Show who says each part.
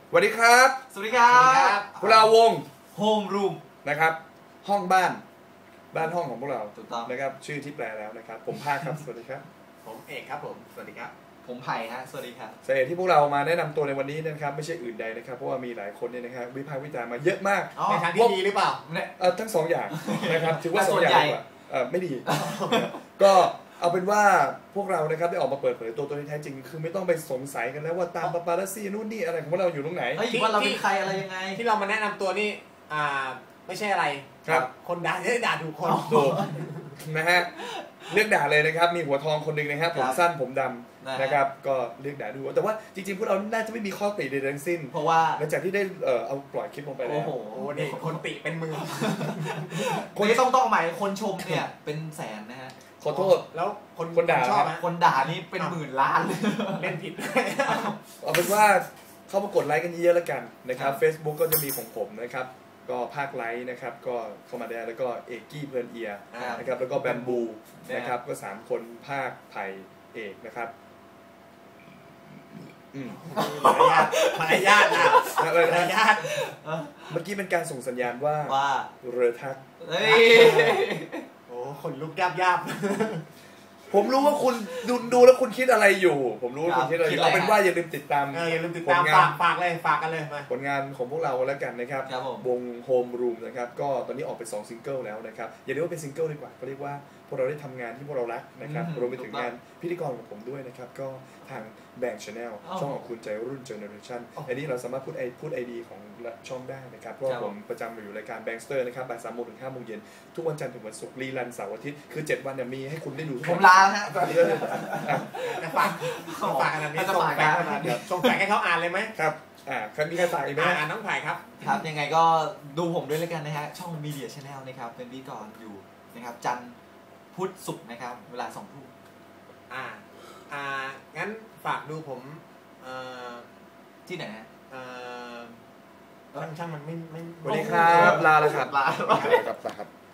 Speaker 1: สวัสดีครับ
Speaker 2: สวัสดีครับ
Speaker 1: พวกเราวง
Speaker 2: Home Room
Speaker 1: นะครับห้องบ้านห้องของพวกเรา
Speaker 2: ถูกต้อง
Speaker 1: นะครับชื่อที่แปลแล้วนะครับผมภาคครับ สวัสดีครับ
Speaker 3: ผมเอกครับผมสวัสดีครับ
Speaker 2: ผมไผ่ฮะสวัสดีครับ
Speaker 1: สาเหตุที่พวกเรามาแนะนำตัวในวันนี้นะครับไม่ใช่อื่นใดนะครับเพราะว่ามีหลายคนเนี่ยนะครับวิพากษ์วิจารณ์มาเยอะมาก
Speaker 3: ในทางที่ดีหรือเปล่า
Speaker 1: ทั้งสองอย่างนะครับถือว่า2 อย่างดีกว่าไม่ดีก็เอาเป็นว่าพวกเรานะครับได้ออกมาเปิดเผยตัวที่แท้จริงคือไม่ต้องไปสงสัยกันแล้วว่าตามปาปารัสซี่นู่นนี่อะไรของพวกเราอยู่ตรงไหน
Speaker 2: ว่าเราเป็นใครอะไรยังไง
Speaker 3: ที่เรามาแนะนำตัวนี่ไม่ใช่อะไร
Speaker 1: ครับ
Speaker 3: คนด่าจะได้ด่าถูกคน
Speaker 1: ถูกนะฮะเลือกด่าเลยนะครับมีหัวทองคนหนึ่งนะครับผมสั้นผมดำนะครับก็เลือกด่าดูแต่ว่าจริงๆพวกเราน่าจะไม่มีข้อติใดทั้งสิ้น
Speaker 2: เพราะว่า
Speaker 1: หลังจากที่ได้เอาปล่อยคลิปลงไปแล้ว
Speaker 3: โอ้โหนี่คนติเป็นมือ
Speaker 2: คนที่ต้องหมายคนชมเนี่ยเป็นแสนนะฮะ
Speaker 1: ขอโทษ
Speaker 3: แล้วคนด่า
Speaker 2: ชอบคนด่านี่เป็นหมื่นล้าน
Speaker 3: เล่นผิด
Speaker 1: เอาเป็นว่าเข้ามากดไลค์กันเยอะๆแล้วกันนะครับ Facebook ก็จะมีของผมนะครับก็ภาคไลค์นะครับก็เข้ามาได้แล้วก็เอกกี้เพลินเอียนะครับแล้วก็แบมบูนะครับก็3คนภาคไผ่เอกนะครับ
Speaker 3: มารยาทนะ
Speaker 1: มารยาทเมื่อกี้เป็นการส่งสัญญาณว่าเรือทัก
Speaker 3: โอ้คนลุกยาบ
Speaker 1: ผมรู้ว่าคุณดูแล้วคุณคิดอะไรอยู่ผมรู้ว่าคุณคิดอะไรเอาเป็นว่าอย่าลืมติดตาม
Speaker 3: ฝากเลยฝากกันเลย
Speaker 1: ผลงานของพวกเราแล้วกันนะครับวง Home Room นะครับก็ตอนนี้ออกไป2ซิงเกิลแล้วนะครับอย่าเรียกว่าเป็นซิงเกิลดีกว่าก็เรียกว่าพวกเราได้ทำงานที่พวกเรารักนะครับรวมไปถึงงานพิธีกรของผมด้วยนะครับก็ทางแบงค์ Channel ช่องของคุณใจรุ่น Generation อันนี้เราสามารถพูด ID ของช่องได้นะครับเพราะผมประจำอยู่รายการ Bankster นะครับบ่าย 3 โมงถึง 5 โมงเย็นทุกวันจันทร์ถึงวันศุกร์รีรันเสาร์อาทิตย์คือ7 วันเนี่ยมีให้คุณได้ดู
Speaker 2: ผมลาฮะ
Speaker 3: ฝากอันนี้ส่งแฟกให้เขาอ่านเลยไหม
Speaker 1: ครับมีใครฝากอีกไหม
Speaker 3: น้องไผ่ครับ
Speaker 2: ครับยังไงก็ดูผมด้วยแล้วกันนะฮะช่อง Media Channel นะครับเป็นพิธีกรอยู่นะครับจันทร์พุธศุกร์นะครับเวลา 20:00 น
Speaker 3: งั้นฝากดูผม
Speaker 2: ที่ไหนฮะ
Speaker 3: ช่างมันไม่
Speaker 1: สวัสดีครับลาแล้วครับ
Speaker 2: ลา
Speaker 1: ครับ